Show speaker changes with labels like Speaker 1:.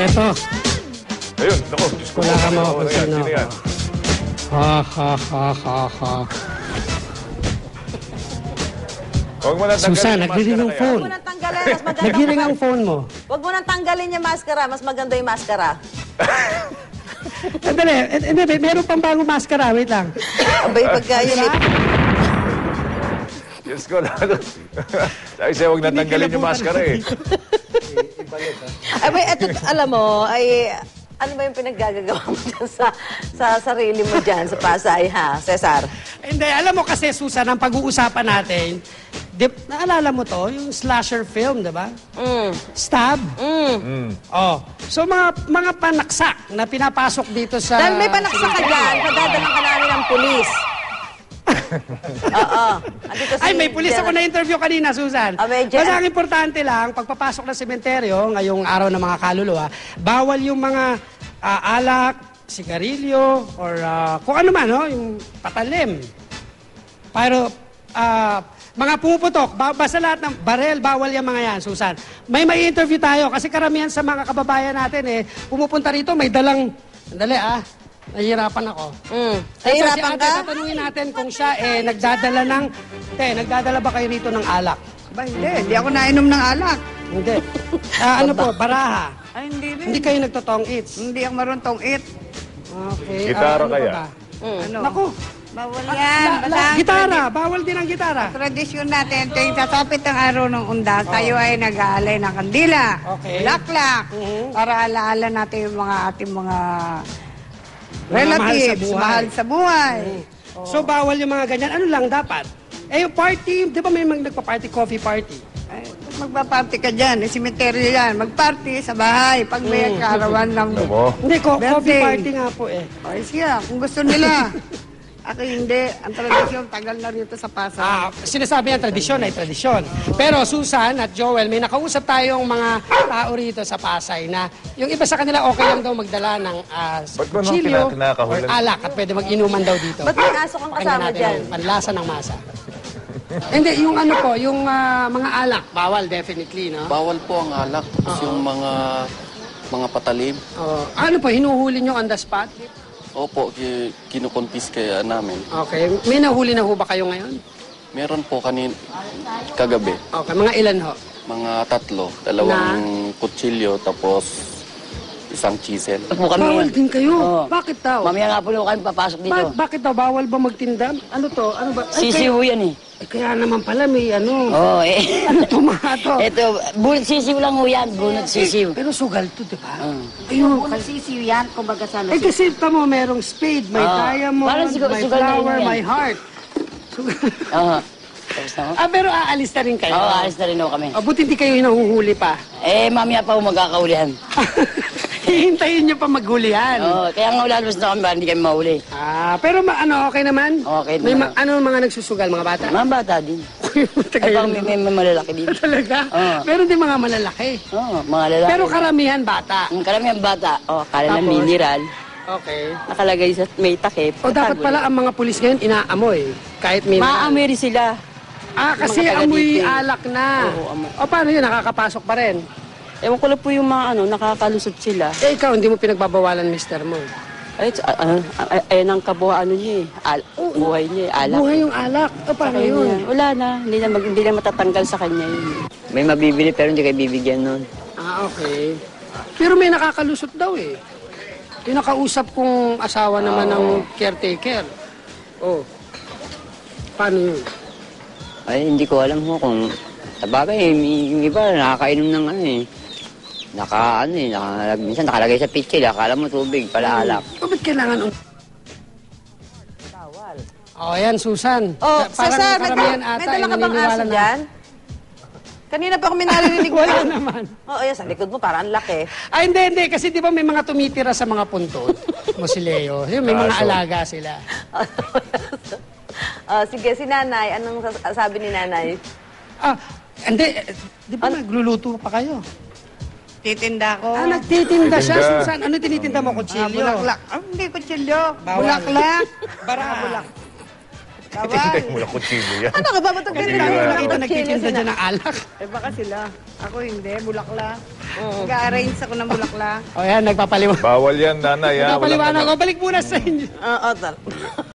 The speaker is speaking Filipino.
Speaker 1: Eto.
Speaker 2: Ayun, naku. Diyos ko.
Speaker 1: Wala ka mga kung
Speaker 2: Sino
Speaker 1: sino.
Speaker 2: yan?
Speaker 1: Ha, ha, ha, ha, ha.
Speaker 2: Huwag mo nang tanggalin
Speaker 1: Susan,
Speaker 2: yung
Speaker 1: nagdiring
Speaker 2: maskara
Speaker 1: ang
Speaker 2: na yan.
Speaker 1: phone.
Speaker 3: Huwag mo nang tanggalin, mas maganda.
Speaker 1: Nagdiring ang phone mo.
Speaker 3: Huwag mo nang tanggalin yung maskara, mas maganda yung maskara.
Speaker 1: Andali, meron pang bagong maskara. Wait lang.
Speaker 3: Abay, pagka yun eh.
Speaker 2: Diyos ko lang. Sabi siya, huwag nang tanggalin yung maskara eh.
Speaker 3: Abay, eto, alam mo, ay... Ano ba yung pinaggagawa mo dyan sa sarili mo dyan, sa Pasay, ha, Cesar?
Speaker 1: Hindi, alam mo kasi, Susan, ang pag-uusapan natin, naalala mo to, yung slasher film, di ba? Stab? Oh. So, mga panaksak na pinapasok dito sa...
Speaker 3: Dahil may panaksak ka dyan, padadalang ka namin ng pulis. Oo.
Speaker 1: Ay, may pulis ako na-interview kanina, Susan.
Speaker 3: medyo.
Speaker 1: Basta ang importante lang, pagpapasok ng sementeryo, ngayong araw ng mga kaluluwa, bawal yung mga alak, sigarilyo, or kung ano man, no? Yung patalim. Pero, mga pumuputok, basta lahat ng barel, bawal yung mga yan, Susan. May interview tayo, kasi karamihan sa mga kababayan natin, pumupunta rito, may dalang, andali nahihirapan ako.
Speaker 3: Nahihirapan ka?
Speaker 1: Tatanungin natin kung siya nagdadala ba kayo rito ng alak?
Speaker 4: Ba, hindi ako nainom ng alak.
Speaker 1: Hindi. Ano po, baraha?
Speaker 4: Ay, hindi rin.
Speaker 1: Hindi kayo nagtotong eats?
Speaker 4: Hindi ako maruntong eat.
Speaker 1: Okay.
Speaker 2: Gitara
Speaker 1: ano
Speaker 2: kaya?
Speaker 1: pa ba?
Speaker 4: Ano?
Speaker 1: Naku,
Speaker 4: Bawal yan.
Speaker 1: gitara. Bawal din ang gitara.
Speaker 4: Tradisyon natin, tuwing sasapit ang araw ng undas, tayo ay nag-aalay ng kandila.
Speaker 1: Okay.
Speaker 4: Bulaklak. Para alaala natin yung mga ating mga relatives, mahal sa buhay.
Speaker 1: So, bawal yung mga ganyan. Ano lang dapat? Yung party, di ba may nagpa-party, coffee party?
Speaker 4: Ay, magpa-party ka dyan, simeteryo yan. Mag-party sa bahay pag may kaarawan ng
Speaker 1: Hindi, coffee
Speaker 4: birthday.
Speaker 1: party nga po
Speaker 4: Ay siya, kung gusto nila. Ako hindi. Ang tradisyon, tagal na rito sa Pasay.
Speaker 1: Sinasabi ang tradisyon ay tradisyon. Pero Susan at Joel, may nakausap tayong mga tao rito sa Pasay na yung iba sa kanila okay lang daw magdala ng
Speaker 2: Ba't mo nung
Speaker 1: kutsilyo or
Speaker 2: kinakahulan?
Speaker 1: alak at pwede mag-inuman daw dito.
Speaker 3: Ba't may aso kang
Speaker 1: Pakinggan
Speaker 3: kasama
Speaker 1: natin
Speaker 3: dyan?
Speaker 1: yung panlasa ng masa. Hindi, yung ano po, yung mga alak, bawal definitely, no?
Speaker 5: Bawal po ang alak. Tapos yung mga patalim.
Speaker 1: Ano po, hinuhuli nyo on the spot?
Speaker 5: Opo, kinukonfis kaya namin.
Speaker 1: Okay. May nahuli na ho ba kayo ngayon?
Speaker 5: Meron po kagabi.
Speaker 1: Okay, mga ilan ho?
Speaker 5: Mga 3. Dalawang kutsilyo, tapos isang chisel.
Speaker 1: Bawal din kayo. Bakit daw?
Speaker 6: Mamaya nga po kami papasok dito.
Speaker 1: Bakit daw? Bawal ba magtinda? Ano to? Ano ba?
Speaker 6: Sisiw yan eh.
Speaker 1: Kaya naman pala may ano.
Speaker 6: Oo eh.
Speaker 1: Ano tomato?
Speaker 6: Ito, bunot sisiw lang ho yan. Bunot sisiw.
Speaker 1: Pero sugal to, di ba?
Speaker 6: Ayun. Bunot sisiw yan, kumbaga sana.
Speaker 1: Kasi tamo merong spade, may diamond,
Speaker 6: Parang
Speaker 1: may
Speaker 6: sugal na
Speaker 1: flower,
Speaker 6: yun yan.
Speaker 1: may heart. Sugal.
Speaker 6: Oo. Tapos na ho?
Speaker 1: Pero aalis na rin kayo.
Speaker 6: Oo, alis na rin ho kami.
Speaker 1: Buti hindi kayo nahuhuli pa.
Speaker 6: Mamaya pa ho magkakaulihan.
Speaker 1: Hihintayin nyo pa maghulihan.
Speaker 6: Oo, kaya nga lalabas na kami para hindi kami mahuli.
Speaker 1: Pero okay naman?
Speaker 6: Okay
Speaker 1: May
Speaker 6: naman.
Speaker 1: ano mga nagsusugal, mga bata?
Speaker 6: Mga bata din.
Speaker 1: Taga
Speaker 6: Ay, bang
Speaker 1: yun,
Speaker 6: may malalaki din.
Speaker 1: Talaga?
Speaker 6: Oo.
Speaker 1: Meron din mga malalaki.
Speaker 6: Oo, mga lalaki.
Speaker 1: Pero karamihan bata.
Speaker 6: Ang karamihan bata, kala ng
Speaker 1: Tapos?
Speaker 6: mineral,
Speaker 1: Okay.
Speaker 6: nakalagay sa may takip.
Speaker 1: O dapat pala ang mga pulis ngayon inaamoy. Kahit may...
Speaker 6: Maamoy rin sila.
Speaker 1: Kasi
Speaker 6: mga taga
Speaker 1: amoy
Speaker 6: dito eh.
Speaker 1: alak na.
Speaker 6: Oo, amoy.
Speaker 1: O paano yun? Nakakapasok pa rin.
Speaker 6: Ewan ko lang po yung mga nakakalusot sila.
Speaker 1: Ikaw, hindi mo pinagbabawalan, mister mo.
Speaker 6: Ayan ang kabuhaan niya eh. Buhay niya eh. Alak.
Speaker 1: Buhay yung alak. O paano
Speaker 6: Kaya
Speaker 1: yun?
Speaker 6: niya, wala na. Hindi na matatanggal sa kanya yun. May mabibili pero hindi kayo bibigyan nun.
Speaker 1: Okay. Pero may nakakalusot daw eh. Yung nakausap kong asawa naman ng caretaker. Paano yun?
Speaker 6: Ay, hindi ko alam mo kung... Sabagay, yung iba nakakainom ng minsan nakalagay sa pitchil, akala mo tubig, pala alak.
Speaker 1: Bakit kailangan... Bawal. Ayan, Susan.
Speaker 3: Cesar,
Speaker 1: karamihan
Speaker 3: may
Speaker 1: ata
Speaker 3: dala ka bang
Speaker 1: naniniwala
Speaker 3: aso dyan? Kanina pa kami narinig mo.
Speaker 1: Wala naman.
Speaker 3: Yan, sa likod mo, parang laki.
Speaker 1: Hindi. Kasi di ba may mga tumitira sa mga puntod, Mosileo. May mga alaga sila.
Speaker 3: Sige, si Nanay, anong sabi ni Nanay?
Speaker 1: Hindi. Di ba nagluluto pa kayo?
Speaker 4: Titinda ko.
Speaker 1: Nagtitinda siya,
Speaker 2: Titinda.
Speaker 1: Susan. Ano tinitinda mo? Kutsilyo?
Speaker 4: Bulaklak. Hindi kutsilyo.
Speaker 1: Bawal.
Speaker 4: Bulaklak.
Speaker 1: Baraha.
Speaker 4: Bawal.
Speaker 2: Mula kutsilyo yan.
Speaker 3: Ano ka ba? Ba't ang
Speaker 1: Kasi
Speaker 3: ganito?
Speaker 1: dami ko nakita
Speaker 3: Kutsilyo
Speaker 1: nagtitinda
Speaker 3: sina-
Speaker 1: dyan ng alak.
Speaker 4: Eh baka sila. Ako hindi, bulakla. Nag-arrange ako ng bulakla.
Speaker 1: O yan, nagpapaliwanag.
Speaker 2: Bawal yan, nanay. Ha? Walang
Speaker 1: Nagpapaliwanag
Speaker 2: ano.
Speaker 1: ko. Balik muna sa inyo.
Speaker 3: Oo, tal.